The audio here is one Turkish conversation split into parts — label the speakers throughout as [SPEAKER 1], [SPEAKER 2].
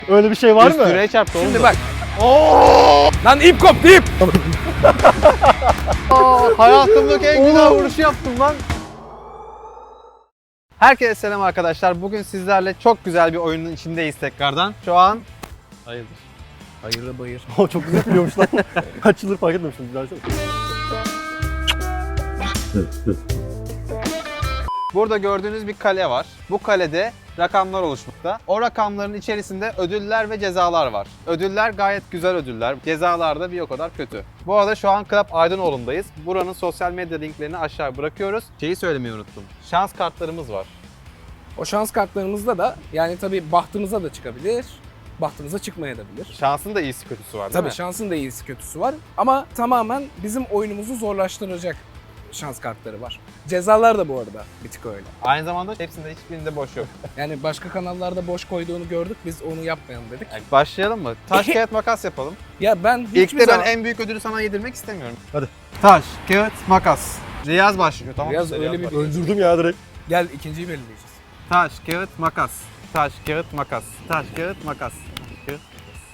[SPEAKER 1] Öyle bir şey var mı?
[SPEAKER 2] Üst direğe çarptı oğlum.
[SPEAKER 3] Şimdi bak.
[SPEAKER 1] Oo!
[SPEAKER 3] Lan ip koptu ip.
[SPEAKER 2] Hayatımdaki en güzel vuruşu yaptım lan. Herkese selam arkadaşlar. Bugün sizlerle çok güzel bir oyunun içindeyiz tekrardan. Şu an... Hayırdır?
[SPEAKER 3] Hayırlı bayır.
[SPEAKER 1] O çok güzel biliyormuş lan. Kaç yıldır fark etmemiştim. Güzel.
[SPEAKER 2] Burada gördüğünüz bir kale var. Bu kalede rakamlar oluşmakta. O rakamların içerisinde ödüller ve cezalar var. Ödüller gayet güzel ödüller. Cezalar da bir o kadar kötü. Bu arada şu an Club Aydınoğlu'ndayız. Buranın sosyal medya linklerini aşağı bırakıyoruz. Şeyi söylemeyi unuttum. Şans kartlarımız var.
[SPEAKER 3] O şans kartlarımızda da yani tabii bahtımıza da çıkabilir. Bahtımıza çıkmayabilir.
[SPEAKER 2] Şansın da iyisi kötüsü var değil
[SPEAKER 3] Tabii
[SPEAKER 2] mi?
[SPEAKER 3] şansın da iyisi kötüsü var. Ama tamamen bizim oyunumuzu zorlaştıracak şans kartları var. Cezalar da bu arada bir tık öyle.
[SPEAKER 2] Aynı zamanda hepsinde hiçbirinde boş yok.
[SPEAKER 3] Yani başka kanallarda boş koyduğunu gördük. Biz onu yapmayalım dedik.
[SPEAKER 2] Yani başlayalım mı? Taş, kağıt, makas yapalım.
[SPEAKER 3] Ya ben
[SPEAKER 2] İlk
[SPEAKER 3] hiçbir
[SPEAKER 2] de ben
[SPEAKER 3] zaman...
[SPEAKER 2] en büyük ödülü sana yedirmek istemiyorum.
[SPEAKER 1] Hadi.
[SPEAKER 2] Taş, kağıt, makas. Riyaz başlıyor tamam mı?
[SPEAKER 3] Riyaz öyle bir-
[SPEAKER 2] başlıyor.
[SPEAKER 1] Öldürdüm ya direkt.
[SPEAKER 3] Gel ikinciyi belirleyeceğiz.
[SPEAKER 2] Taş, kağıt, makas. Taş, kağıt, makas. Taş, kağıt, makas. Taş, kağıt.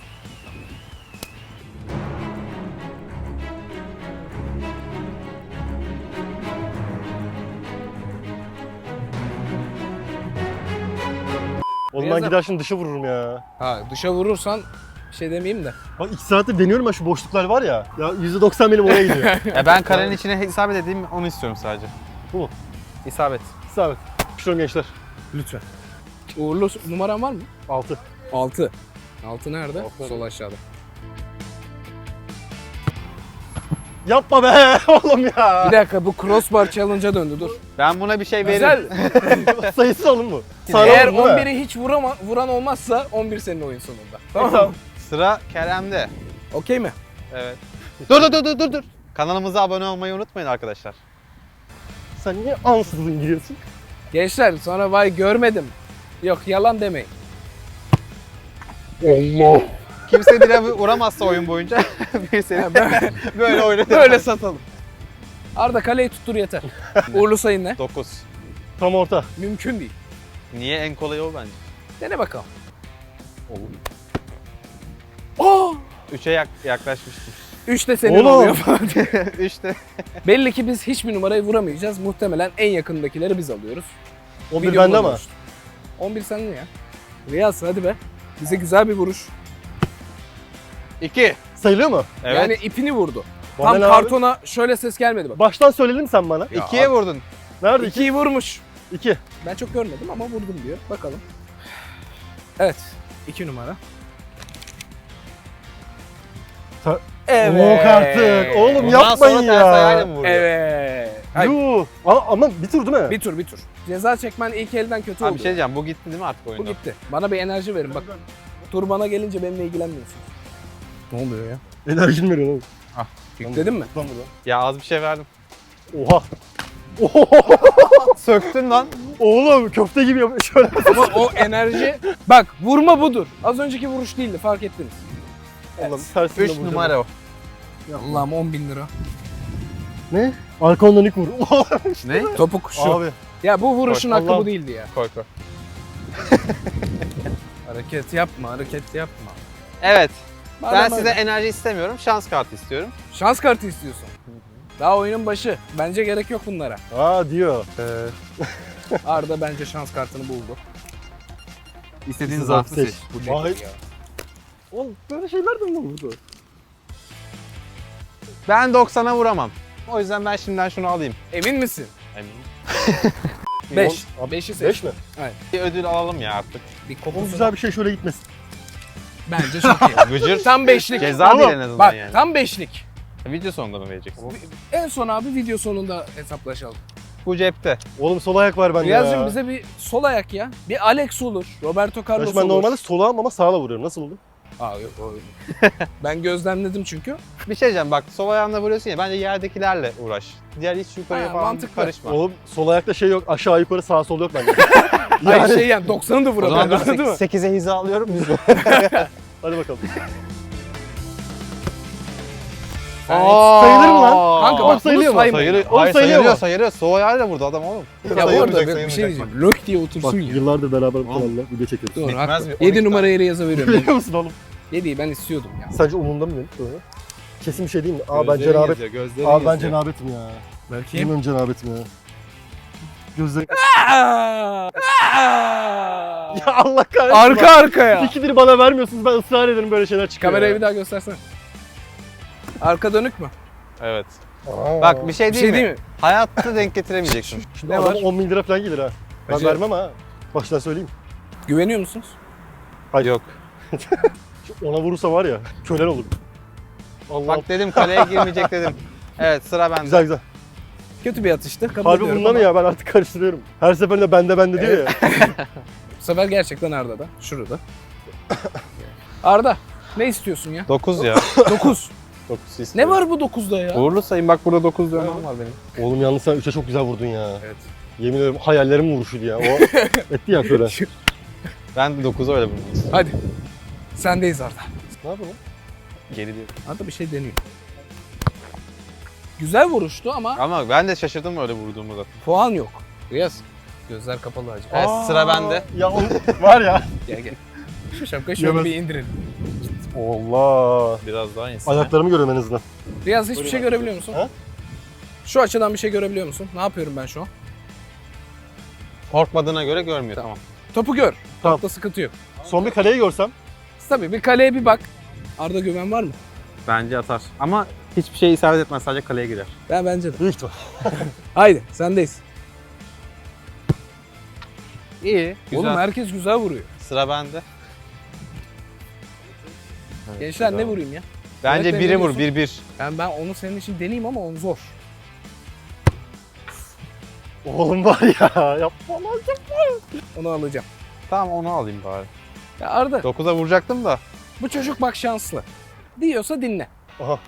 [SPEAKER 1] Oğlum ben
[SPEAKER 3] Riyaz'a-
[SPEAKER 1] gider şimdi dışa vururum ya.
[SPEAKER 3] Ha dışa vurursan bir şey demeyeyim de.
[SPEAKER 1] Bak 2 saattir deniyorum ben şu boşluklar var ya. Ya %90 benim oraya gidiyor.
[SPEAKER 2] Ya ben kalenin içine isabet edeyim onu istiyorum sadece.
[SPEAKER 1] Bu mu?
[SPEAKER 2] İsabet.
[SPEAKER 1] İsabet. Pişiyorum gençler.
[SPEAKER 3] Lütfen. Uğurlu numaran var mı?
[SPEAKER 1] 6.
[SPEAKER 3] 6. 6 nerede?
[SPEAKER 1] Altı.
[SPEAKER 3] Sol aşağıda.
[SPEAKER 1] Yapma be oğlum ya.
[SPEAKER 3] Bir dakika bu crossbar challenge'a döndü dur.
[SPEAKER 2] Ben buna bir şey
[SPEAKER 3] Güzel.
[SPEAKER 2] veririm.
[SPEAKER 1] Sayısız alın bu.
[SPEAKER 3] Eğer
[SPEAKER 1] Sağlam değil mi?
[SPEAKER 3] 11'i hiç vuran olmazsa 11 senin oyun sonunda. Tamam
[SPEAKER 1] Tamam.
[SPEAKER 3] mı?
[SPEAKER 2] Sıra Kerem'de.
[SPEAKER 3] Okey mi?
[SPEAKER 2] Evet. Dur. Kanalımıza abone olmayı unutmayın arkadaşlar.
[SPEAKER 1] Sen niye ansızın giriyorsun?
[SPEAKER 3] Gençler sonra vay görmedim. Yok yalan demeyin.
[SPEAKER 1] Allah.
[SPEAKER 2] Kimse bile vuramazsa oyun boyunca bir seni böyle oynatır.
[SPEAKER 3] Böyle satalım. Arda kaleyi tuttur yeter. Uğurlu sayın ne?
[SPEAKER 2] 9.
[SPEAKER 1] Tam orta.
[SPEAKER 3] Mümkün değil.
[SPEAKER 2] Niye en kolayı o bence?
[SPEAKER 3] Dene bakalım.
[SPEAKER 2] Olur.
[SPEAKER 3] Oh!
[SPEAKER 2] 3'e yaklaşmıştım.
[SPEAKER 3] 3 de senin
[SPEAKER 1] Oğlum.
[SPEAKER 3] oluyor.
[SPEAKER 2] 3'te.
[SPEAKER 3] Belli ki biz hiçbir numarayı vuramayacağız. Muhtemelen en yakındakileri biz alıyoruz.
[SPEAKER 1] 11
[SPEAKER 3] Videoda
[SPEAKER 1] bende ama.
[SPEAKER 3] konuştuk. 11 senin ya. Riyaz hadi be. Bize güzel bir vuruş.
[SPEAKER 2] 2.
[SPEAKER 1] Sayılıyor mu?
[SPEAKER 2] Evet.
[SPEAKER 3] Yani ipini vurdu.
[SPEAKER 1] Bana
[SPEAKER 3] Tam
[SPEAKER 1] ne abi?
[SPEAKER 3] kartona şöyle ses gelmedi bak.
[SPEAKER 1] Baştan söyledin sen bana.
[SPEAKER 3] Ya
[SPEAKER 2] 2'ye vurdun.
[SPEAKER 1] Nerede 2?
[SPEAKER 3] 2'yi vurmuş.
[SPEAKER 1] 2.
[SPEAKER 3] Ben çok görmedim ama vurdum diyor. Bakalım. Evet. 2 numara.
[SPEAKER 1] Yok artık. Oğlum
[SPEAKER 2] Bundan
[SPEAKER 1] yapmayın
[SPEAKER 2] sonra ters ayağıyla
[SPEAKER 1] ya.
[SPEAKER 2] mı vuruyor?
[SPEAKER 3] Evet. Ay,
[SPEAKER 1] Yuh. Ama bir tur değil mi?
[SPEAKER 3] bir tur bir tur. Ceza çekmen ilk elden kötü
[SPEAKER 2] Abi
[SPEAKER 3] oldu.
[SPEAKER 2] bir şey diyeceğim. Bu gitti değil mi artık
[SPEAKER 3] Bu
[SPEAKER 2] oyundan?
[SPEAKER 3] gitti. Bana bir enerji verin bak. Tur bana gelince benimle ilgilenmiyorsun. Ne oluyor ya?
[SPEAKER 1] Enerjin veriyor oğlum.
[SPEAKER 3] Yükledin mi?
[SPEAKER 1] Lan burada.
[SPEAKER 2] Ya az bir şey verdim.
[SPEAKER 1] Oha. Oha.
[SPEAKER 2] Söktün lan.
[SPEAKER 1] Oğlum köfte gibi yapıyor. Şöyle.
[SPEAKER 3] Ama o enerji... Bak vurma budur. Az önceki vuruş değildi fark ettiniz.
[SPEAKER 1] Allah'ım tersine
[SPEAKER 2] 3
[SPEAKER 1] vuracağım.
[SPEAKER 2] numara o.
[SPEAKER 3] Allah'ım 10.000 lira.
[SPEAKER 1] Ne? Arkamdan ilk vur.
[SPEAKER 2] Ne?
[SPEAKER 3] Topuk şu.
[SPEAKER 1] Abi.
[SPEAKER 3] Ya bu vuruşun hakkı
[SPEAKER 1] Allah'ım.
[SPEAKER 3] bu değildi ya.
[SPEAKER 2] Koy.
[SPEAKER 3] Hareket yapma, hareket yapma.
[SPEAKER 2] Evet.
[SPEAKER 3] Bana
[SPEAKER 2] Ben
[SPEAKER 3] böyle.
[SPEAKER 2] size enerji istemiyorum. Şans kartı istiyorum.
[SPEAKER 3] Şans kartı istiyorsun. Daha oyunun başı. Bence gerek yok bunlara.
[SPEAKER 1] Diyor.
[SPEAKER 3] Arda bence şans kartını buldu.
[SPEAKER 2] İstediğin
[SPEAKER 1] zarfı
[SPEAKER 2] zarfı
[SPEAKER 1] seç.
[SPEAKER 2] seç.
[SPEAKER 3] Bu
[SPEAKER 1] Vay.
[SPEAKER 3] nedir ya?
[SPEAKER 1] Oğlum böyle şeyler de mi oldu?
[SPEAKER 2] Ben 90'a vuramam. O yüzden ben şimdiden şunu alayım.
[SPEAKER 3] Emin misin?
[SPEAKER 2] Eminim.
[SPEAKER 3] 5.
[SPEAKER 1] Abi,
[SPEAKER 3] 5'i seç.
[SPEAKER 1] 5 mi?
[SPEAKER 2] Bir ödül alalım ya artık.
[SPEAKER 3] Bir
[SPEAKER 1] Oğlum
[SPEAKER 3] kokusunu.
[SPEAKER 1] güzel bir şey şöyle gitmesin.
[SPEAKER 3] Bence çok iyi.
[SPEAKER 2] Gıcır.
[SPEAKER 3] Tam 5'lik.
[SPEAKER 2] Ceza
[SPEAKER 1] Oğlum,
[SPEAKER 2] değil en azından
[SPEAKER 3] Bak
[SPEAKER 2] yani.
[SPEAKER 3] tam 5'lik.
[SPEAKER 2] Video sonunda mı vereceksin?
[SPEAKER 3] En son abi video sonunda hesaplaşalım.
[SPEAKER 2] Bu cepte.
[SPEAKER 1] Oğlum sol ayak var bende
[SPEAKER 3] Riyaz'cığım
[SPEAKER 1] ya.
[SPEAKER 3] bize bir sol ayak ya. Bir Alex olur. Roberto Carlos
[SPEAKER 1] Kardeşim ben
[SPEAKER 3] olur.
[SPEAKER 1] normalde solağım ama sağla vuruyorum. Nasıl oldu?
[SPEAKER 3] Aa, yok, ben gözlemledim çünkü.
[SPEAKER 2] Bir şey diyeceğim bak sol ayağınla vuruyorsun ya bence yerdekilerle uğraş. Diğer hiç yukarıya
[SPEAKER 3] Ha,
[SPEAKER 2] falan
[SPEAKER 3] mantıklı.
[SPEAKER 2] karışma.
[SPEAKER 1] Oğlum sol ayakta şey yok. Aşağı yukarı sağ sol yok bende.
[SPEAKER 3] Hayır şey yani 90'ı da
[SPEAKER 2] O zaman
[SPEAKER 3] vurabilir anladın mı?
[SPEAKER 2] 8'e hiza alıyorum biz.
[SPEAKER 1] Hadi bakalım. Sayılır mı lan?
[SPEAKER 3] Kanka
[SPEAKER 1] Oğlum
[SPEAKER 3] bak
[SPEAKER 1] sayılıyor mu?
[SPEAKER 2] Sayılıyor.
[SPEAKER 1] Oğlum
[SPEAKER 2] Hayır
[SPEAKER 1] sayılıyor
[SPEAKER 2] sayılıyor,
[SPEAKER 1] mu?
[SPEAKER 2] sayılıyor. Soğuk ayarla burada adam oğlum.
[SPEAKER 3] Ya bu arada
[SPEAKER 2] Sayılmayacak,
[SPEAKER 3] bir şey
[SPEAKER 2] sayılmayacak.
[SPEAKER 3] diyeceğim. Lök diye
[SPEAKER 1] Bak
[SPEAKER 3] otursun ya.
[SPEAKER 1] yıllardır beraber bu kanalla video çekiyoruz.
[SPEAKER 3] Doğru,
[SPEAKER 2] Bitmez
[SPEAKER 3] haklı.
[SPEAKER 2] mi?
[SPEAKER 3] 7
[SPEAKER 2] 12
[SPEAKER 3] numaraya Riyaz'a veriyorum.
[SPEAKER 1] Biliyor musun oğlum?
[SPEAKER 3] 7'yi ben istiyordum ya.
[SPEAKER 1] Sence umurumda mı benim? Sonra? Kesin bir şey değil mi? Aa ben
[SPEAKER 2] Gözlerin
[SPEAKER 1] cenabet.
[SPEAKER 2] yazıyor, gözlerin
[SPEAKER 1] Aa ben
[SPEAKER 2] yazıyor.
[SPEAKER 1] cenabetim ya.
[SPEAKER 3] Belki.
[SPEAKER 1] Bilmiyorum cenabetim ya. Gözlerim... Ya Allah kahretsin.
[SPEAKER 3] Arka arkaya.
[SPEAKER 1] İkidir bana vermiyorsunuz, ben ısrar ederim böyle şeyler çıkıyor.
[SPEAKER 3] Kamerayı
[SPEAKER 1] ya.
[SPEAKER 3] bir daha göstersene. Arka dönük mü?
[SPEAKER 2] Evet.
[SPEAKER 1] Aa.
[SPEAKER 2] Bak bir şey
[SPEAKER 3] Bir
[SPEAKER 2] değil
[SPEAKER 3] şey
[SPEAKER 2] mi?
[SPEAKER 3] değil mi?
[SPEAKER 2] Hayatta denk getiremeyeceksin.
[SPEAKER 1] Şimdi
[SPEAKER 3] Ne
[SPEAKER 1] adam
[SPEAKER 3] var?
[SPEAKER 1] 10 bin lira falan gelir ha. Ben
[SPEAKER 3] Hacı-
[SPEAKER 1] vermem ha. Baştan söyleyeyim.
[SPEAKER 3] Güveniyor musunuz?
[SPEAKER 2] Yok.
[SPEAKER 1] Şu ona vurursa var ya, kölen olur. Allah.
[SPEAKER 2] Bak dedim kaleye girmeyecek dedim. Evet sıra bende.
[SPEAKER 1] Güzel güzel.
[SPEAKER 3] Kötü bir atıştı. Kabul
[SPEAKER 1] Harbi
[SPEAKER 3] ediyorum
[SPEAKER 1] bundan
[SPEAKER 3] ama
[SPEAKER 1] ya, ben artık karıştırıyorum. Her seferinde bende diyor ya.
[SPEAKER 3] Bu sefer gerçekten Arda'da. Şurada. Arda ne istiyorsun ya?
[SPEAKER 2] 9 ya.
[SPEAKER 3] 9.
[SPEAKER 2] 9
[SPEAKER 3] Ne
[SPEAKER 2] istiyorum.
[SPEAKER 3] var bu 9'da ya?
[SPEAKER 2] Uğurlu sayın bak burada 9 dövmem var benim.
[SPEAKER 1] Oğlum yalnız sen 3'e çok güzel vurdun ya.
[SPEAKER 3] Evet.
[SPEAKER 1] Yemin ederim hayallerimin vuruşuydu ya. O etti ya şöyle.
[SPEAKER 2] Ben de 9'a öyle vurdum.
[SPEAKER 3] Hadi. Sendeyiz Arda.
[SPEAKER 1] Ne yapalım?
[SPEAKER 2] Geri diyor.
[SPEAKER 3] Arda bir şey deniyor. Güzel vuruştu ama
[SPEAKER 2] Ama ben de şaşırdım öyle vurduğumu zaten.
[SPEAKER 3] puan yok. Riyaz. Gözler kapalı hacı.
[SPEAKER 2] Evet sıra bende.
[SPEAKER 1] Ya oğlum, var ya.
[SPEAKER 3] Gel gel. Şu şapkayı şöyle
[SPEAKER 1] Yemez.
[SPEAKER 3] bir indirelim.
[SPEAKER 1] Allah.
[SPEAKER 2] Biraz daha insin.
[SPEAKER 1] Ayaklarımı görüyorum en azından.
[SPEAKER 3] Riyaz hiçbir şey görebiliyor musun?
[SPEAKER 1] Ha?
[SPEAKER 3] Şu açıdan bir şey görebiliyor musun? Ne yapıyorum ben şu an?
[SPEAKER 2] Korkmadığına göre görmüyor. Tamam.
[SPEAKER 3] Topu gör.
[SPEAKER 1] Tamam.
[SPEAKER 3] Topta sıkıntı yok.
[SPEAKER 1] Son bir kaleyi görsem.
[SPEAKER 3] Tabii bir kaleye bir bak. Arda güven var mı?
[SPEAKER 2] Bence atar. Ama hiçbir şey isabet etmez. Sadece kaleye girer.
[SPEAKER 3] Bence de.
[SPEAKER 1] Büyük ihtimal.
[SPEAKER 3] Haydi sendeyiz.
[SPEAKER 2] İyi. Güzel.
[SPEAKER 3] Oğlum herkes güzel vuruyor.
[SPEAKER 2] Sıra bende.
[SPEAKER 3] Gençler ne vurayım ya?
[SPEAKER 2] Bence
[SPEAKER 3] Evet,
[SPEAKER 2] biri
[SPEAKER 3] ne
[SPEAKER 2] vur.
[SPEAKER 3] diyorsun?
[SPEAKER 2] 1-1.
[SPEAKER 3] Ben onu senin için deneyeyim ama onu zor.
[SPEAKER 1] Oğlum var ya. Yapma lan.
[SPEAKER 3] Onu alacağım.
[SPEAKER 2] Tamam onu alayım bari.
[SPEAKER 3] Ya Arda
[SPEAKER 2] 9'a vuracaktım da.
[SPEAKER 3] bu çocuk bak şanslı. Diyorsa dinle.
[SPEAKER 1] Aha.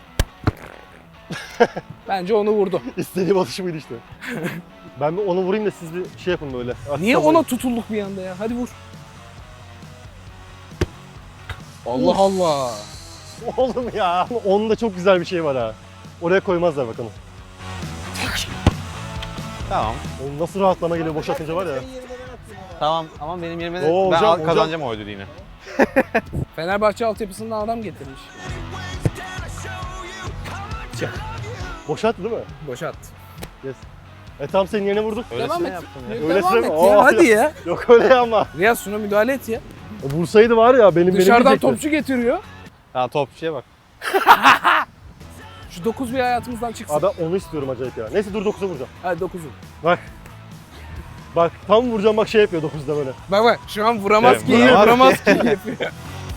[SPEAKER 3] Bence onu vurdu.
[SPEAKER 1] İstediğim atış buydu işte. Ben bir onu vurayım da siz bir şey yapın böyle.
[SPEAKER 3] Niye
[SPEAKER 1] Aslan
[SPEAKER 3] ona tutulduk bir anda ya? Hadi vur. Allah Allah.
[SPEAKER 1] Oğlum ya. Onun da çok güzel bir şey var ha. Oraya koymazlar bakalım.
[SPEAKER 2] Tamam.
[SPEAKER 1] Oğlum nasıl rahatlama geliyor boş atınca var ya.
[SPEAKER 2] Tamam ama benim yerime de
[SPEAKER 1] Oo,
[SPEAKER 2] ben
[SPEAKER 1] hocam,
[SPEAKER 2] kazanacağım o ödülü yine.
[SPEAKER 3] Fenerbahçe altyapısından adam getirmiş.
[SPEAKER 1] Boş attı değil mi?
[SPEAKER 3] Boşa attı.
[SPEAKER 1] Yes. Tam senin yerine vurduk.
[SPEAKER 3] Devam
[SPEAKER 2] Öylesine
[SPEAKER 3] et.
[SPEAKER 2] yaptım ya.
[SPEAKER 1] Öylesine
[SPEAKER 3] Devam
[SPEAKER 1] mi?
[SPEAKER 3] et ya.
[SPEAKER 1] Aa,
[SPEAKER 3] Hadi ya.
[SPEAKER 1] Yok öyle ama.
[SPEAKER 3] Riyaz şuna müdahale et ya.
[SPEAKER 1] Vursaydı var ya benim
[SPEAKER 3] Dışarıdan
[SPEAKER 1] diyecekti.
[SPEAKER 3] topçu getiriyor.
[SPEAKER 2] Ha topçuya bak.
[SPEAKER 3] Şu 9 bir hayatımızdan çıksın.
[SPEAKER 1] Abi ben onu istiyorum acayip ya. Neyse dur 9'a vuracağım.
[SPEAKER 3] Hadi 9'u.
[SPEAKER 1] Bak. Bak tam vuracağım bak şey yapıyor 9'da böyle.
[SPEAKER 3] Bak bak şu an vuramaz
[SPEAKER 2] Evet,
[SPEAKER 3] ki,
[SPEAKER 2] vuramaz
[SPEAKER 3] vuramaz ki yapıyor.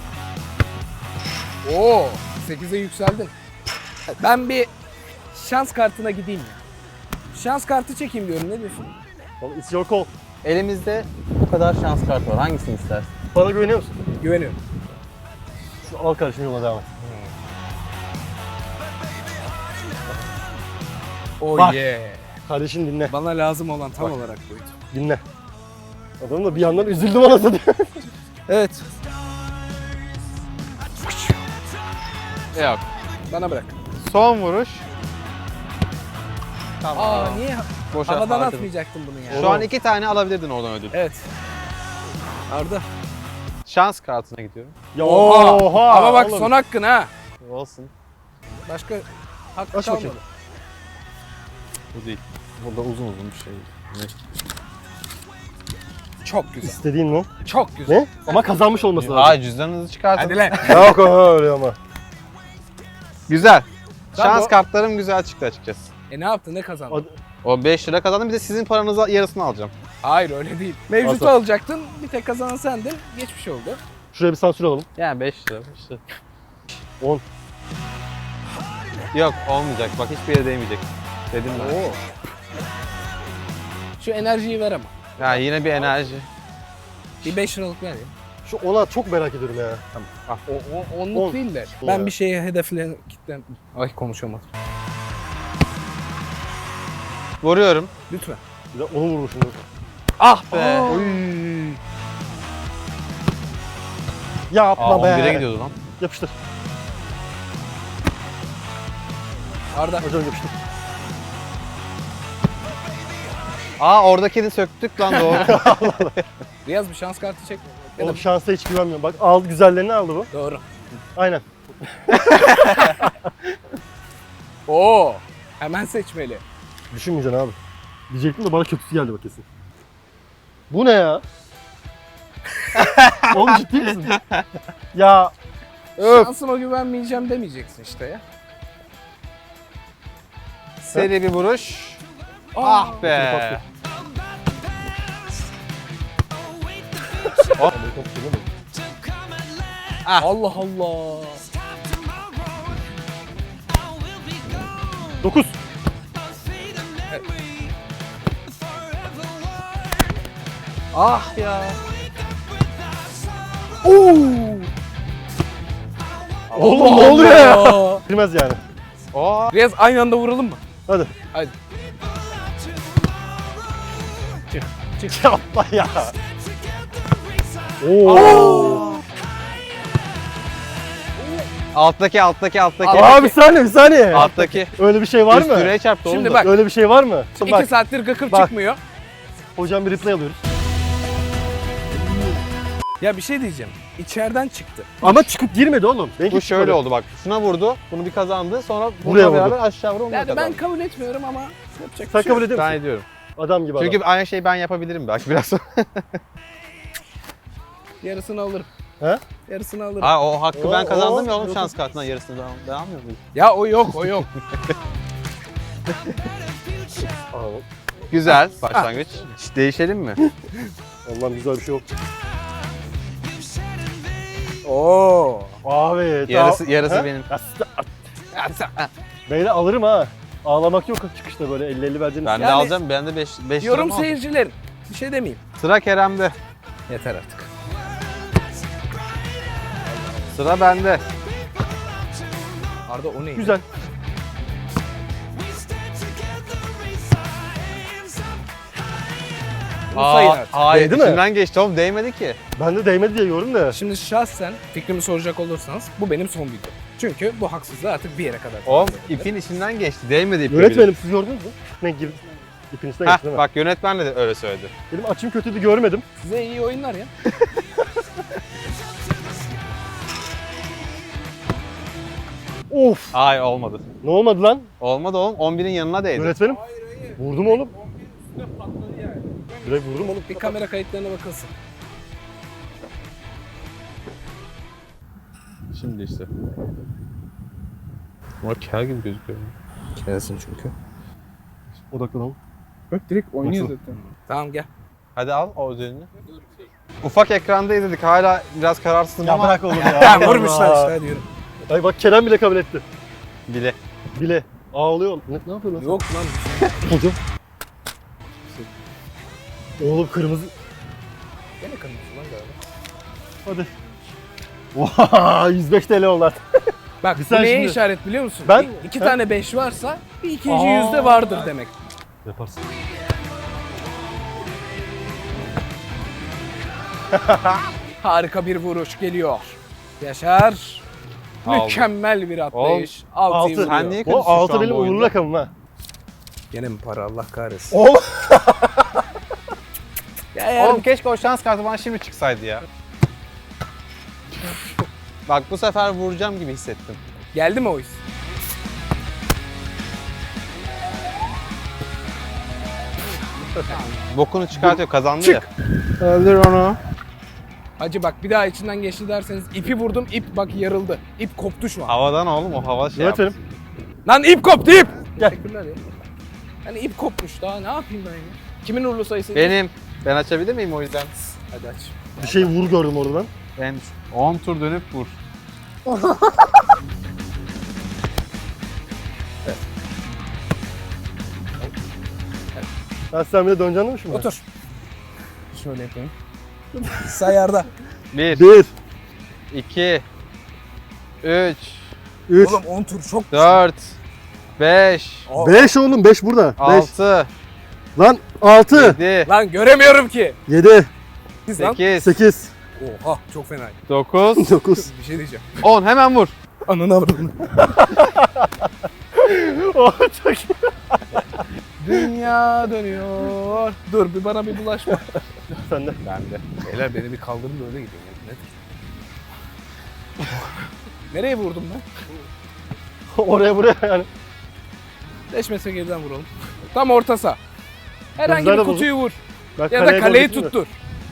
[SPEAKER 3] Oo, 8'e yükseldin. Ben bir şans kartına gideyim ya. Şans kartı çekeyim diyorum, ne diyorsun?
[SPEAKER 1] Oğlum, it's your call.
[SPEAKER 2] Elimizde bu kadar şans kartı var. Hangisini istersin?
[SPEAKER 1] Bana güveniyor musun?
[SPEAKER 3] Güveniyorum.
[SPEAKER 1] Şu al kardeşim yola devam et.
[SPEAKER 3] Oh
[SPEAKER 1] Bak.
[SPEAKER 3] yeah.
[SPEAKER 1] Kardeşim dinle.
[SPEAKER 3] Bana lazım olan tam
[SPEAKER 1] Bak.
[SPEAKER 3] olarak buydu.
[SPEAKER 1] Dinle. Adam da bir yandan üzüldüm anasını.
[SPEAKER 3] Evet,
[SPEAKER 2] Yok.
[SPEAKER 3] bana bırak.
[SPEAKER 2] Son vuruş. Tamam.
[SPEAKER 3] Aa niye
[SPEAKER 2] Boşa
[SPEAKER 3] havadan
[SPEAKER 2] harcadım.
[SPEAKER 3] atmayacaktım bunu ya?
[SPEAKER 2] Şu an 2 tane alabilirdin oradan ödül.
[SPEAKER 3] Evet. Arda.
[SPEAKER 2] Şans kartına gidiyorum.
[SPEAKER 1] Ya
[SPEAKER 3] Oha. Ama bak
[SPEAKER 1] oğlum.
[SPEAKER 3] son hakkın ha.
[SPEAKER 2] Olsun.
[SPEAKER 3] Başka hakkı
[SPEAKER 1] Aç
[SPEAKER 3] kalmadı.
[SPEAKER 1] bakayım.
[SPEAKER 2] Bu değil. Burada uzun bir şey.
[SPEAKER 3] Çok güzel.
[SPEAKER 1] İstediğin mi?
[SPEAKER 3] Çok güzel.
[SPEAKER 1] Ne? Ama kazanmış olması lazım.
[SPEAKER 2] Aa cüzdanınızı çıkartın.
[SPEAKER 3] Hadi lan.
[SPEAKER 1] Yok öyle ama.
[SPEAKER 2] Güzel.
[SPEAKER 3] Tamam,
[SPEAKER 2] Şans
[SPEAKER 3] o-
[SPEAKER 2] kartlarım güzel çıktı açıkçası.
[SPEAKER 3] Ne yaptın, ne kazandın?
[SPEAKER 1] Hadi.
[SPEAKER 2] O 5 lira kazandım bir de sizin paranızı yarısını alacağım.
[SPEAKER 3] Hayır öyle değil. Mevcutu
[SPEAKER 1] Nasıl?
[SPEAKER 3] alacaktın, bir tek kazanan sendin. Geçmiş oldu.
[SPEAKER 1] Şuraya bir sansür alalım.
[SPEAKER 2] Yani 5 lira.
[SPEAKER 1] 10.
[SPEAKER 2] Yok olmayacak bak hiçbir yere değmeyecek. Dedim ben.
[SPEAKER 1] Oo.
[SPEAKER 3] Şu enerjiyi ver ama.
[SPEAKER 2] Ya yine bir enerji.
[SPEAKER 3] Bir 5 liralık ver ya.
[SPEAKER 1] Şu ona çok merak ediyorum ya.
[SPEAKER 3] O onluk
[SPEAKER 1] On.
[SPEAKER 3] değil de.
[SPEAKER 1] On
[SPEAKER 3] Ben
[SPEAKER 1] ya.
[SPEAKER 3] bir şeye hedeflen kitlen. Ay konuşamadım.
[SPEAKER 2] Vuruyorum.
[SPEAKER 3] Lütfen.
[SPEAKER 1] Bir de onu vurmuşum.
[SPEAKER 2] Ah be.
[SPEAKER 1] Oy. Yapma
[SPEAKER 2] Aa
[SPEAKER 1] be.
[SPEAKER 2] 11'e gidiyordu lan.
[SPEAKER 1] Yapıştır.
[SPEAKER 3] Arda.
[SPEAKER 1] Az önce yapıştım.
[SPEAKER 2] Aa oradakini söktük lan doğru.
[SPEAKER 3] Riyaz bir şans kartı çek. Ya da-
[SPEAKER 1] Oğlum şansa hiç güvenmiyorum. Bak aldı, güzellerini aldı bu.
[SPEAKER 3] Doğru.
[SPEAKER 1] Aynen.
[SPEAKER 3] Oo. Hemen seçmeli.
[SPEAKER 1] Düşünmeyeceksin abi. Diyecektim de bana kötüsü geldi bak kesin. Bu ne ya? Oğlum ciddi misin? Ya
[SPEAKER 3] Şansıma güvenmeyeceğim demeyeceksin işte ya.
[SPEAKER 2] Seri bir vuruş. Ah be.
[SPEAKER 3] Allah Allah.
[SPEAKER 1] 9.
[SPEAKER 3] Ah ya.
[SPEAKER 1] Oğlum ne oluyor ya? Bilmez yani.
[SPEAKER 2] Oo.
[SPEAKER 3] Riyaz aynı anda vuralım mı?
[SPEAKER 1] Hadi.
[SPEAKER 3] Hadi.
[SPEAKER 1] Yapma ya. Oo.
[SPEAKER 2] Alttaki.
[SPEAKER 1] Abi bir saniye.
[SPEAKER 2] Alttaki.
[SPEAKER 1] Öyle bir şey var
[SPEAKER 2] Üst
[SPEAKER 1] mı?
[SPEAKER 2] direğe çarptı oğlum
[SPEAKER 3] Şimdi
[SPEAKER 2] da.
[SPEAKER 3] bak.
[SPEAKER 1] Öyle bir şey var mı?
[SPEAKER 3] 2 saattir gıkır
[SPEAKER 1] Bak.
[SPEAKER 3] çıkmıyor.
[SPEAKER 1] Hocam bir replay alıyoruz.
[SPEAKER 3] Ya bir şey diyeceğim. İçeriden çıktı.
[SPEAKER 1] Ama çıkıp girmedi oğlum. Benimki
[SPEAKER 2] Bu şöyle
[SPEAKER 1] çıkmadı.
[SPEAKER 2] oldu bak. Şuna vurdu. Bunu bir kazandı. Sonra
[SPEAKER 1] Buraya
[SPEAKER 2] bununla
[SPEAKER 1] vurdu.
[SPEAKER 2] beraber aşağı vurdu.
[SPEAKER 3] Yani ben
[SPEAKER 2] kazandı.
[SPEAKER 3] kabul etmiyorum ama yapacak
[SPEAKER 1] Sen
[SPEAKER 3] bir şey
[SPEAKER 1] kabul
[SPEAKER 3] yok.
[SPEAKER 1] ediyor
[SPEAKER 2] Ben
[SPEAKER 1] musun?
[SPEAKER 2] ediyorum.
[SPEAKER 1] Adam gibi adam.
[SPEAKER 2] Çünkü aynı şeyi ben yapabilirim belki biraz sonra.
[SPEAKER 3] Yarısını alırım.
[SPEAKER 1] He?
[SPEAKER 3] Yarısını alırım.
[SPEAKER 2] Ha o hakkı ben
[SPEAKER 1] Oo,
[SPEAKER 2] kazandım ya
[SPEAKER 1] oo.
[SPEAKER 2] oğlum şans kartından yarısını ben almıyor muyum?
[SPEAKER 3] Ya o yok, o yok.
[SPEAKER 1] Aa,
[SPEAKER 2] Güzel başlangıç. Hiç değişelim mi?
[SPEAKER 1] Allah'ım güzel bir şey yok.
[SPEAKER 3] Oo.
[SPEAKER 1] Abi.
[SPEAKER 2] Yarısı
[SPEAKER 1] He?
[SPEAKER 2] benim.
[SPEAKER 1] Beyler alırım ha. Ağlamak yok çıkışta böyle 50-50 vereceğiniz.
[SPEAKER 2] Ben de
[SPEAKER 3] Yani-
[SPEAKER 2] alacağım. Ben de 5
[SPEAKER 3] Yorum seyircilerin. Bir şey demeyeyim.
[SPEAKER 2] Sıra Kerem'de.
[SPEAKER 3] Yeter artık.
[SPEAKER 2] Sıra bende.
[SPEAKER 3] Arda o neydi?
[SPEAKER 1] Güzel.
[SPEAKER 3] Bunu sayın artık.
[SPEAKER 2] Hayır
[SPEAKER 1] Değdi mi?
[SPEAKER 2] içinden geçti oğlum değmedi ki.
[SPEAKER 1] Ben de değmedi diye yorum da.
[SPEAKER 3] Şimdi şahsen fikrimi soracak olursanız bu benim son video. Çünkü bu haksızlığı artık bir yere kadar.
[SPEAKER 2] Oğlum ipin içinden geçti. Değmedi ipin.
[SPEAKER 1] Yönetmenim siz gördünüz mü? Ne girdi? İpin üstüne geçti değil mi?
[SPEAKER 2] Bak yönetmen de öyle söyledi.
[SPEAKER 1] Benim açım kötüydü görmedim.
[SPEAKER 3] Size iyi oyunlar ya.
[SPEAKER 1] Of.
[SPEAKER 2] Ay olmadı.
[SPEAKER 1] Ne olmadı lan?
[SPEAKER 2] Olmadı oğlum. 11'in yanına değdi.
[SPEAKER 1] Yönetmenim. Vurdum oğlum. Direkt vurdum oğlum.
[SPEAKER 3] Bir kamera kayıtlarına bakılsın.
[SPEAKER 2] Şimdi işte. Ama kel gibi gözüküyor.
[SPEAKER 3] Gelsin çünkü.
[SPEAKER 1] Odaklanalım.
[SPEAKER 3] Bak direkt
[SPEAKER 1] oynuyor
[SPEAKER 3] zaten. Tamam gel.
[SPEAKER 2] Hadi al o özelini. Ufak ekranda izledik. Hala biraz kararsızım
[SPEAKER 1] Ya
[SPEAKER 2] ama
[SPEAKER 1] bırak oğlum ya.
[SPEAKER 3] Ha
[SPEAKER 1] Allah
[SPEAKER 3] vurmuşlar
[SPEAKER 1] Allah.
[SPEAKER 3] işte hadi yürü.
[SPEAKER 1] Ay bak Kerem bile kabul etti.
[SPEAKER 2] bile.
[SPEAKER 1] Bile. Ağlıyor oğlum. Ne yapıyor lan?
[SPEAKER 3] Yok lan.
[SPEAKER 1] Hocam. Oğlum kırmızı.
[SPEAKER 3] Gene kırmızı lan galiba.
[SPEAKER 1] Hadi. Oha 105 TL oldu artık.
[SPEAKER 3] Bak
[SPEAKER 1] Bir
[SPEAKER 3] bu
[SPEAKER 1] sen
[SPEAKER 3] neye
[SPEAKER 1] şimdi-
[SPEAKER 3] işaret biliyor musun?
[SPEAKER 1] Ben-
[SPEAKER 3] İki
[SPEAKER 1] He?
[SPEAKER 3] tane 5 varsa bir ikinci
[SPEAKER 1] Aa.
[SPEAKER 3] yüzde vardır demek.
[SPEAKER 1] Yaparsın.
[SPEAKER 3] Harika bir vuruş geliyor. Yaşar.
[SPEAKER 2] Aldım.
[SPEAKER 3] Mükemmel bir atlayış.
[SPEAKER 1] Altı.
[SPEAKER 3] Altıyı vuruyor.
[SPEAKER 2] Sen niye
[SPEAKER 1] O
[SPEAKER 2] kötüsün şu
[SPEAKER 1] 6
[SPEAKER 2] an
[SPEAKER 1] benim
[SPEAKER 2] bu
[SPEAKER 1] uğurlu
[SPEAKER 2] oyunda?
[SPEAKER 1] rakamım ha.
[SPEAKER 3] Gene mi para Allah kahretsin.
[SPEAKER 1] Oğlum.
[SPEAKER 3] Ya eğer
[SPEAKER 2] Oğlum keşke o şans kartı bana şimdi çıksaydı ya. Bak bu sefer vuracağım gibi hissettim.
[SPEAKER 3] geldi mi o his?
[SPEAKER 2] Bokunu çıkartıyor kazandı
[SPEAKER 3] Çık.
[SPEAKER 2] ya. Öldür onu.
[SPEAKER 3] Hacı bak bir daha içinden geçti derseniz ipi vurdum ip bak yarıldı. İp koptu şu an.
[SPEAKER 2] Havadan oğlum o hava şey yaptı.
[SPEAKER 1] Yönetmenim.
[SPEAKER 3] Lan ip koptu ip.
[SPEAKER 1] Gel.
[SPEAKER 3] Teşekkürler ya. Yani ip kopmuş daha ne yapayım ben ya? Kimin uğurlu sayısı?
[SPEAKER 2] Benim. Ben açabilir miyim o yüzden?
[SPEAKER 3] Hadi aç.
[SPEAKER 1] Bir şey vur gördüm orada ben.
[SPEAKER 2] Ben 10 tur dönüp vur.
[SPEAKER 1] Ben sen bile döneceksin demiş mi?
[SPEAKER 3] Otur. Şöyle yapayım. Sayarda.
[SPEAKER 2] 1,
[SPEAKER 1] 1,
[SPEAKER 2] 2, 3,
[SPEAKER 1] 3,
[SPEAKER 3] Oğlum 10 tur çok.
[SPEAKER 2] 4, 5,
[SPEAKER 1] 5 oğlum 5 burada. 5.
[SPEAKER 2] 6,
[SPEAKER 1] Lan 6,
[SPEAKER 2] 7,
[SPEAKER 3] Lan göremiyorum ki.
[SPEAKER 1] 7,
[SPEAKER 2] 8,
[SPEAKER 1] 8,
[SPEAKER 3] Oha çok fena.
[SPEAKER 2] 9,
[SPEAKER 1] 9.
[SPEAKER 3] Bir şey diyeceğim.
[SPEAKER 2] 10 hemen vur.
[SPEAKER 3] Ananı avradını.
[SPEAKER 1] Oh, çok iyi.
[SPEAKER 3] Dünya dönüyor. Dur bir bana bir bulaşma.
[SPEAKER 1] Sen de.
[SPEAKER 3] Ben de. Beyler beni bir kaldırın da öyle gidin. Ya. Nedir? Nereye vurdum ben?
[SPEAKER 1] Oraya buraya yani.
[SPEAKER 3] 5 metre geriden vuralım. Tam orta saha. Herhangi
[SPEAKER 1] Gözler
[SPEAKER 3] bir
[SPEAKER 1] de
[SPEAKER 3] kutuyu vur.
[SPEAKER 1] Ben
[SPEAKER 3] Ya da kaleyi
[SPEAKER 1] doğru
[SPEAKER 3] tuttur.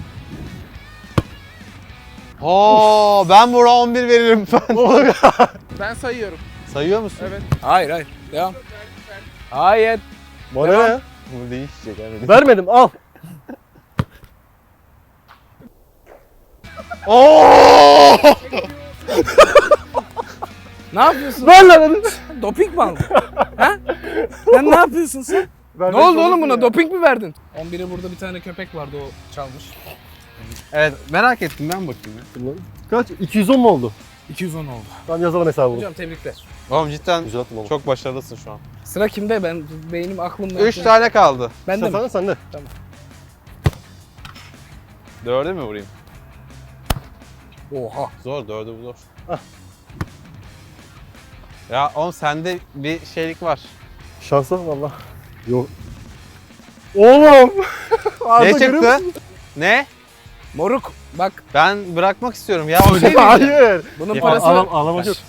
[SPEAKER 2] Oo, ben buna 11 veririm ben.
[SPEAKER 1] gitmiyorum.
[SPEAKER 3] Ben sayıyorum.
[SPEAKER 2] Sayıyor musun?
[SPEAKER 3] Evet. Hayır hayır. Devam. Hayır.
[SPEAKER 1] Bana ne
[SPEAKER 3] Devam.
[SPEAKER 1] ya?
[SPEAKER 2] Bu değişecek abi.
[SPEAKER 1] Vermedim al.
[SPEAKER 2] Oo!
[SPEAKER 3] Ne yapıyorsun?
[SPEAKER 1] Ver lan hadi.
[SPEAKER 3] Doping mi aldın? Ha? Sen ne yapıyorsun sen? Ne oldu oğlum buna? Doping mi verdin? 11'e burada bir tane köpek vardı o çalmış.
[SPEAKER 2] Evet, merak ettim, ben bakayım ya.
[SPEAKER 1] Kaç? 210 mu oldu?
[SPEAKER 3] 210 oldu.
[SPEAKER 1] Tamam yazalım hesabını.
[SPEAKER 3] Hocam tebrikler.
[SPEAKER 2] Oğlum cidden
[SPEAKER 1] Güzel attın oğlum.
[SPEAKER 2] çok başarılısın şu an.
[SPEAKER 3] Sıra kimde? Ben beynim aklımda.
[SPEAKER 2] 3 tane kaldı.
[SPEAKER 3] Ben de
[SPEAKER 1] Sen
[SPEAKER 3] mi?
[SPEAKER 1] sen de.
[SPEAKER 2] 4'e mi vurayım?
[SPEAKER 3] Oha.
[SPEAKER 2] Zor, 4'ü bu zor. Ya oğlum sende bir şeylik var.
[SPEAKER 1] Şansa valla. Yok. Oğlum. Arda
[SPEAKER 2] Ne
[SPEAKER 1] görüyor
[SPEAKER 2] çıktı?
[SPEAKER 1] musun?
[SPEAKER 2] Ne?
[SPEAKER 3] Moruk bak
[SPEAKER 2] Ben bırakmak istiyorum ya.
[SPEAKER 3] şey diyeceğim.
[SPEAKER 1] Hayır.
[SPEAKER 3] bunun
[SPEAKER 2] Ya,
[SPEAKER 3] parası...
[SPEAKER 1] Ağlamak yok.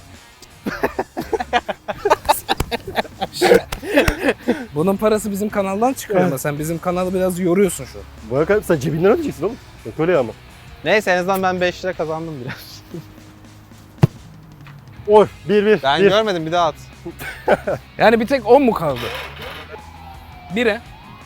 [SPEAKER 3] Bunun parası bizim kanaldan çıkıyor ama sen bizim kanalı biraz yoruyorsun şu an.
[SPEAKER 1] Bana kadar sen cebinden ödeyeceksin oğlum. Yok öyle ya ama.
[SPEAKER 2] Neyse en azından ben 5 lira kazandım biraz.
[SPEAKER 1] Oy 1-1.
[SPEAKER 2] Ben
[SPEAKER 1] 1.
[SPEAKER 2] görmedim, bir daha at.
[SPEAKER 3] Yani bir tek 10 mu kaldı? 1'e.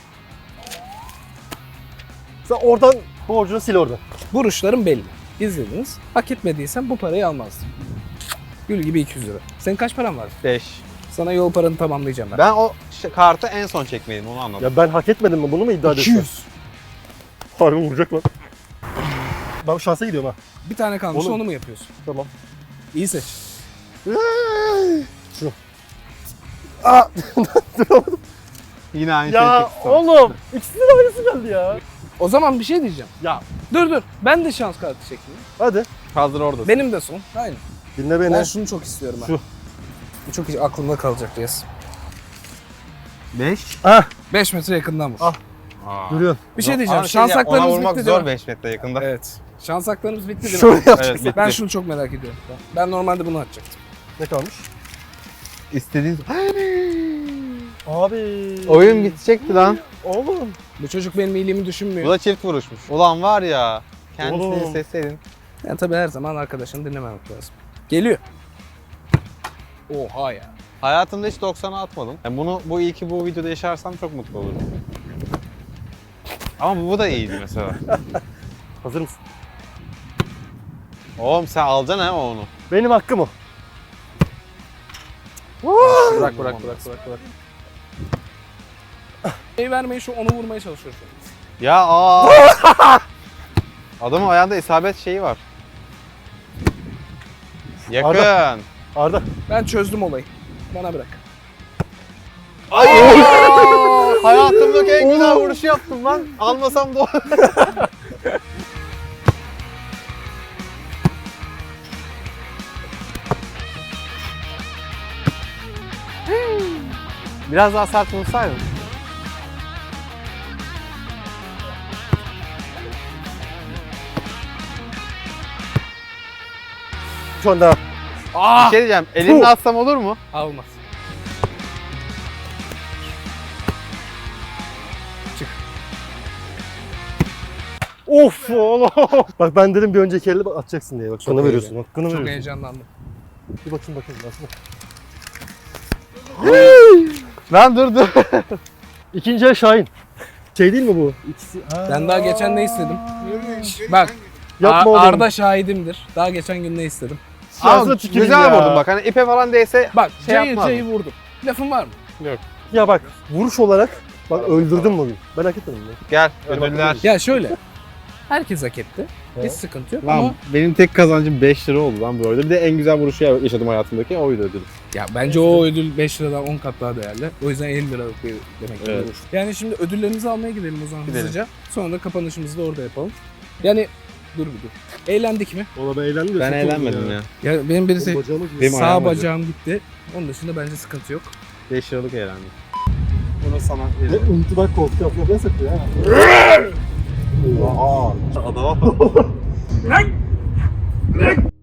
[SPEAKER 1] Sen oradan borcunu sil oradan.
[SPEAKER 3] Vuruşlarım belli. İzlediniz. Hak etmediysen bu parayı almazdın. Gül gibi 200 lira. Senin kaç paran var?
[SPEAKER 2] 5.
[SPEAKER 3] Sana yol paranı tamamlayacağım ben.
[SPEAKER 2] Ben o kartı en son çekmeliydim, onu anladım.
[SPEAKER 1] Ya ben hak etmedim mi bunu mu iddia ediyorsun?
[SPEAKER 3] 200.
[SPEAKER 1] Harbi vuracak lan. Ben şansa gidiyorum ha.
[SPEAKER 3] Bir tane kalmış
[SPEAKER 1] Oğlum.
[SPEAKER 3] onu mu yapıyorsun?
[SPEAKER 1] Tamam.
[SPEAKER 3] İyi seç.
[SPEAKER 1] Şu. Aa,
[SPEAKER 2] Yine aynı şeyi
[SPEAKER 1] ya
[SPEAKER 2] çektim.
[SPEAKER 1] oğlum ikisinin de aynısı geldi ya.
[SPEAKER 3] O zaman bir şey diyeceğim.
[SPEAKER 1] Ya
[SPEAKER 3] Dur. Ben de şans kartı çekeyim.
[SPEAKER 1] hadi
[SPEAKER 2] Hazır oradasın.
[SPEAKER 3] Benim de son. Aynen.
[SPEAKER 1] dinle beni.
[SPEAKER 3] Ben şunu çok istiyorum ha.
[SPEAKER 1] Şu.
[SPEAKER 3] Bu çok aklımda kalacak Reyes.
[SPEAKER 2] 5.
[SPEAKER 1] Ah
[SPEAKER 3] 5 metre yakından vur.
[SPEAKER 1] Ah. Duruyorsun.
[SPEAKER 3] Bir şey diyeceğim.
[SPEAKER 2] Ama
[SPEAKER 3] Şans
[SPEAKER 2] ya, ona
[SPEAKER 3] haklarımız
[SPEAKER 2] vurmak
[SPEAKER 3] bitti
[SPEAKER 2] zor
[SPEAKER 3] değil mi?
[SPEAKER 2] 5 metre yakında.
[SPEAKER 3] Evet. Şans haklarımız bitti değil mi?
[SPEAKER 1] Şöyle yapacak.
[SPEAKER 2] Evet, bitti.
[SPEAKER 3] Ben şunu çok merak ediyorum. Ben normalde bunu atacaktım.
[SPEAKER 1] Ne kalmış?
[SPEAKER 2] İstediğin...
[SPEAKER 1] Abi.
[SPEAKER 2] Oyun bitecekti lan.
[SPEAKER 1] Oğlum.
[SPEAKER 3] Bu çocuk benim iyiliğimi
[SPEAKER 2] Bu
[SPEAKER 3] düşünmüyor.
[SPEAKER 2] da çift vuruşmuş. Ulan var ya. Kendisini
[SPEAKER 1] Oğlum.
[SPEAKER 2] isteseydin.
[SPEAKER 3] Yani tabii her zaman arkadaşını dinlememek lazım. Geliyor. Oha ya.
[SPEAKER 2] Hayatımda hiç 90'a atmadım. Yani bu iyi ki bu videoda yaşarsam çok mutlu olurum. Ama bu da iyiydi mesela.
[SPEAKER 1] Hazır mısın?
[SPEAKER 2] Oğlum sen alacaksın ha onu.
[SPEAKER 1] Benim hakkım o.
[SPEAKER 3] Bırak. Şey vermeyi şu onu vurmaya çalışıyor şu an.
[SPEAKER 2] Ya Adamın ayağında isabet şeyi var. Yakın.
[SPEAKER 1] Arda.
[SPEAKER 3] Ben çözdüm olayı. Bana bırak.
[SPEAKER 2] Hayatımdaki en güzel vuruşu yaptım lan. Almasam da Biraz daha sert vursaydın.
[SPEAKER 1] Şu anda.
[SPEAKER 2] Bir şey diyeceğim. Elimle atsam olur mu?
[SPEAKER 3] Almaz.
[SPEAKER 1] Of oğlum. Bak ben dedim bir önceki elle bak atacaksın diye. Bak sana
[SPEAKER 3] iyi
[SPEAKER 1] veriyorsun.
[SPEAKER 3] be.
[SPEAKER 1] Hakkını
[SPEAKER 3] Çok
[SPEAKER 1] veriyorsun.
[SPEAKER 3] heyecanlandım.
[SPEAKER 1] Bir bakayım aslında.
[SPEAKER 2] Lan dur.
[SPEAKER 1] İkinci el Şahin. Şey değil mi bu? İkisi. Ha.
[SPEAKER 3] Ben daha geçen ne istedim? Bak.
[SPEAKER 1] Yapma oğlum.
[SPEAKER 3] Arda şahidimdir. Daha geçen gün ne istedim?
[SPEAKER 1] Şansına
[SPEAKER 2] Ama
[SPEAKER 1] tüküreyim
[SPEAKER 2] güzel
[SPEAKER 1] ya.
[SPEAKER 2] vurdun bak. Hani ipe falan değse
[SPEAKER 3] Bak
[SPEAKER 2] Şey
[SPEAKER 3] cayır
[SPEAKER 2] yapmazdım.
[SPEAKER 3] cayır vurdum. Lafın var mı?
[SPEAKER 1] Ya bak vuruş olarak bak öldürdüm bugün. Ben hak etmedim ya.
[SPEAKER 2] gel
[SPEAKER 1] Benim
[SPEAKER 2] ödüller.
[SPEAKER 1] hakkım
[SPEAKER 3] Ya şöyle. Herkes hak etti. Hiç
[SPEAKER 1] Evet.
[SPEAKER 3] sıkıntı yok
[SPEAKER 2] Lan
[SPEAKER 3] ama
[SPEAKER 2] benim tek kazancım 5 lira oldu lan bu arada. Bir de en güzel vuruşu yaşadım hayatımdaki oydu ödül.
[SPEAKER 3] ya bence o ödül 5 liradan 10 kat daha değerli. O yüzden 50 liralık bir demek ki
[SPEAKER 2] Evet.
[SPEAKER 3] olur. Yani şimdi ödüllerimizi almaya gidelim o zaman
[SPEAKER 2] Gidelim.
[SPEAKER 3] hızlıca. Sonra da kapanışımızı da orada yapalım. Yani dur bir dur. Eğlendik mi?
[SPEAKER 1] Valla ben eğlendim de
[SPEAKER 2] Ben
[SPEAKER 1] çok oldu
[SPEAKER 2] eğlenmedim ya.
[SPEAKER 3] Ya benim birisi
[SPEAKER 1] Benim bacağım acıyor.
[SPEAKER 2] Benim
[SPEAKER 3] sağ
[SPEAKER 2] ayağım acıyor.
[SPEAKER 3] bacağım gitti. Onun dışında bence sıkıntı yok.
[SPEAKER 2] 5 liralık eğlendik. Bunu sana
[SPEAKER 1] Ve
[SPEAKER 2] veririm.
[SPEAKER 1] unuttular koltuk altına ne satıyor ha? Adama